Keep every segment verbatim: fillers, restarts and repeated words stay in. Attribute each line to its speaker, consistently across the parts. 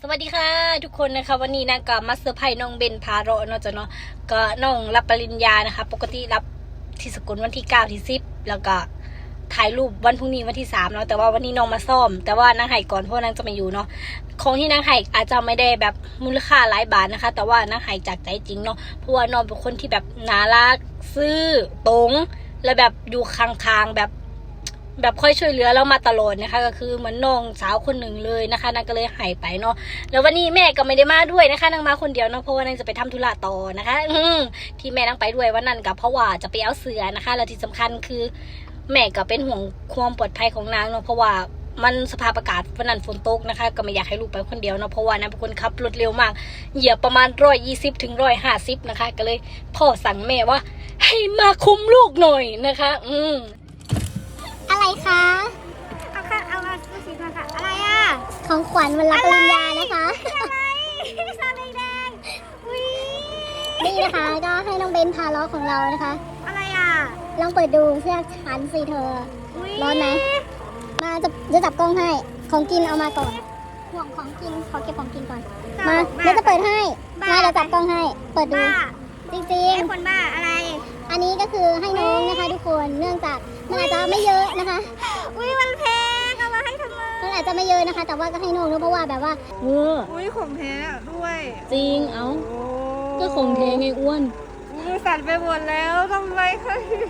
Speaker 1: สวัสดีค่ะทุกคนนะคะวันนี้นะก็มาเซอร์ไพรส์น้องเบนพาเราเนาะจ้ะเนาะก็น้องรับปริญญานะคะปกติรับที่สกลวันที่เก้าที่สิบแล้วก็ถ่ายรูปวันพรุ่งนี้วันที่สามเนาะแต่ว่าวันนี้น้องมาซ่อมแต่ว่านางไห่ก่อนเพราะนางจะมาอยู่เนาะของที่นางไห่อาจจะไม่ได้แบบมูลค่าหลายบาทนะคะแต่ว่านางไห่จากใจจริงเนาะเพราะว่าน้องเป็นคนที่แบบน่ารักซื่อตรงและแบบอยู่คางๆแบบแบบค่อยช่วยเหลือเรามาตลอดนะคะก็คือเหมือนน้องสาวคนหนึ่งเลยนะคะนางก็เลยหายไปเนาะแล้ววันนี้แม่ก็ไม่ได้มาด้วยนะคะนางมาคนเดียวเนาะเพราะว่านางจะไปทำธุระต่อนะคะอืที่แม่นางไปด้วยวันนั้นก็เพราะว่าจะไปเอาเสือนะคะแล้วที่สำคัญคือแม่ก็เป็นห่วงความปลอดภัยของนางเนาะเพราะว่ามันสภาพอากาศวันนั้นฝนตกนะคะก็ไม่อยากให้ลูกไปคนเดียวเนาะเพราะว่านางเป็นคนขับรถเร็วมากเหยียบประมาณร้อยยี่สิบถึงร้อยห้าสิบนะคะก็เลยพ่อสั่งแม่ว่าให้มาคุมลูกหน่อยนะคะอืม
Speaker 2: อะไรคะ
Speaker 3: เอาค่ะเอามาดูสิค่ะค่ะอะไรอ่ะ
Speaker 2: ของขวัญวันรับปริญญานะคะ
Speaker 3: อะไรซาแดงอุ้ย
Speaker 2: นี่นะคะก็ให้น้องเบนพาล้อของเรานะคะ
Speaker 3: อะไรอ่ะ
Speaker 2: ลองเปิดดูเสื้อชั้นสิเธอ
Speaker 3: อุ้ย
Speaker 2: ร้อนไหมมาจะจะจับกล้องให้ของกินเอามาก่อนห่วงของกินขอเก็บของกินก่อนมาเดี๋ยวจะเปิดให้มาเดี๋ยวจับกล้องให้เปิดดู
Speaker 3: บ้า
Speaker 2: จริง
Speaker 3: ไอ้คนบ้าอะไร
Speaker 2: ๆอันนี้ก็คือให้น้องนะคะทุกคนเนื่องจากมันอาจจะไม่เยอะนะคะ
Speaker 3: อุ้ยมันแพงเอามาให้ทำไม
Speaker 2: มันอาจจะไม่เยอะนะคะ แต่ว่าก็ให้น้องเพราะว่าแบบว่าเออ
Speaker 3: อุ้ยของแท้ด้วย
Speaker 1: จริงเอ้า
Speaker 3: โอ้
Speaker 1: ก็ของแท้ไงอ้วน
Speaker 3: มือสั่นไปหมดแล้วทำไมใคร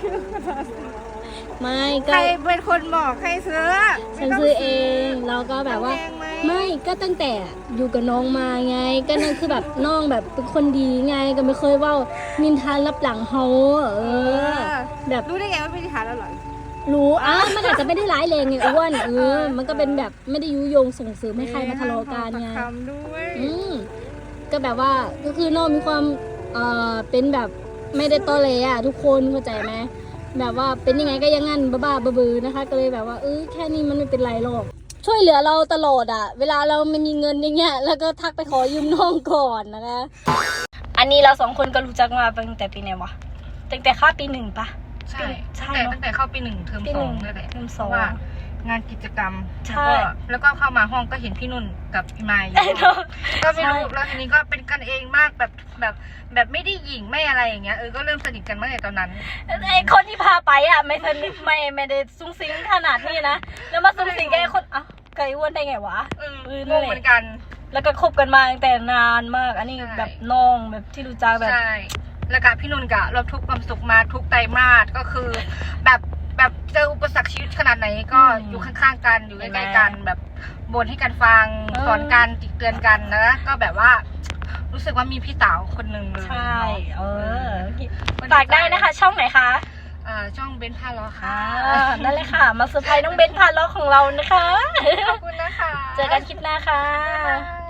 Speaker 1: ไม่
Speaker 3: ใค
Speaker 1: ก็
Speaker 3: รเป็นคนบอกใครซื้อ
Speaker 1: ฉันซื้อเองแล้วก็แบบว่า
Speaker 3: แพงไหม
Speaker 1: ไม่ก็ตั้งแต่อยู่กับน้องมาไง ก็นั่นคือแบบน้องแบบเป็นคนดีไงก็ไม่เคยเว่านินทารับหลังเขาเออ แบบ
Speaker 3: รู้ได้ไงว่าเป็นทหารแล้วเหรอ
Speaker 1: รู้อ่ะมันอาจจะไม่ได้ร้ายแรงไงอ้วนเออมันก็เป็นแบบไม่ได้ยุยงส่งเสริมให้ใครมาทะเลาะกันไง
Speaker 3: ทำด้วย
Speaker 1: อืมก็แบบว่าก็คือน้องมีความเอ่อเป็นแบบไม่ได้ตอแหลอ่ะทุกคนเข้าใจไหมแบบว่าเป็นยังไงก็อยังงั้นบ้าๆบื้อๆนะคะ ก็เลยแบบว่าเออแค่นี้มันไม่เป็นไรหรอกช่วยเหลือเราตลอดอ่ะเวลาเราไม่มีเงินอย่างเงี้ยแล้วก็ทักไปขอยืมน้องก่อนนะคะอันนี้เราสองคนก็รู้จักมาตั้งแต่ปีไหนวะตั้งแต่ข้าปีหนึ่งปะ
Speaker 4: ใช่
Speaker 1: ใช่
Speaker 4: ตั้งแต่
Speaker 1: เนอะ
Speaker 4: ตั้งแต่เข้าปีหนึ่งเทอม
Speaker 1: ปี
Speaker 4: ส
Speaker 1: ห
Speaker 4: อ
Speaker 1: นึ่
Speaker 4: ง
Speaker 1: ง
Speaker 4: นั่นแหละ
Speaker 1: เทอม
Speaker 4: เพ
Speaker 1: สอง
Speaker 4: ราะว่างานกิจกรรม
Speaker 1: ใช่
Speaker 4: แล้วก็แล้วก็เข้ามาห้องก็เห็นพี่นุ่นกับพี่ไมค์อยู่
Speaker 1: เนอะ
Speaker 4: ก็ไม่รู้
Speaker 1: ใช่
Speaker 4: แล้วทีนี้ก็เป็นกันเองมากแบบแบบแบบไม่ได้หยิ่งไม่อะไรอย่างเงี้ยเออก็เริ่มสนิทกันเมื่อไหร่ตอนนั้น
Speaker 1: ไอคนที่พาไปอ่ะไม่สนิทไม่ไม่ได้ซุ้งซิงขนาดนี้นะแล้วมาซุ้งซิงกับไอคนอ่ะไก่อ้วนได้ไงวะ
Speaker 4: เออ
Speaker 1: เออง นั่น
Speaker 4: ง
Speaker 1: แหละ
Speaker 4: เหมือนกัน
Speaker 1: แล้วก็คบกันมาตั้งแต่นานมาก อันนี้
Speaker 4: ใช่
Speaker 1: แบบน้องแบบที่รู้จักแบบ
Speaker 4: ใช่แล้วกับพี่นุ่นกะเราทุกข์ความสุขมาทุกไตรมาสก็คือ แบบแบบเจออุปสรรคชีวิตขนาดไหนก็
Speaker 1: อืม
Speaker 4: อยู่ข้างๆกันอยู่ใก
Speaker 1: เห็นไหม
Speaker 4: ล้ๆกันแบบบ่นให้กันฟัง
Speaker 1: เออ
Speaker 4: สอนกันติเตือนกันนะก็แบบว่า รู้สึกว่ามีพี่สาวคนหนึ่งเลย
Speaker 1: ใช่ เออ
Speaker 4: ก็
Speaker 1: ฝากได้นะคะ ช่องไหนคะ
Speaker 4: เอ่อช่องเบนพาล้อค่ะ
Speaker 1: อ่านั่นเลยค่ะ มาเซอร์ไพรส์น้องเบนพาล้อของเรานะคะ
Speaker 4: ขอบคุณนะคะ
Speaker 1: เจอกันคลิปหน้าค่ะ
Speaker 4: บ๊ายบาย